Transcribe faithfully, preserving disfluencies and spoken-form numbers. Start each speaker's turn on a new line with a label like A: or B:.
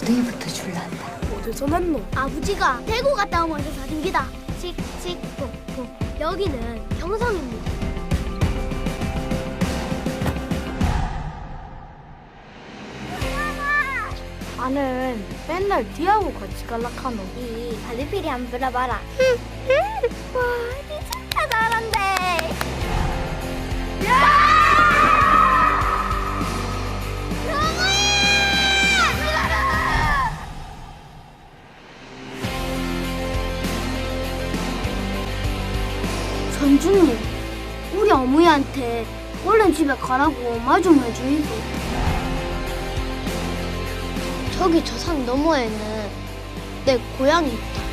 A: 너희부터 줄란다.
B: 어디서 났노?
C: 아버지가 대구 갔다 오면서 사준 기다. 칙칙폭폭. 여기는 경성입니다.
B: 나는 맨날 뒤하고 같이 갈락하노.
C: 이 발리필이 한번 불어봐라. 와, 니 진짜 잘한대.
D: 전주님, 우리 어머니한테 얼른 집에 가라고 말 좀 해주이소.
C: 저기 저 산 너머에는 내 고향이 있다.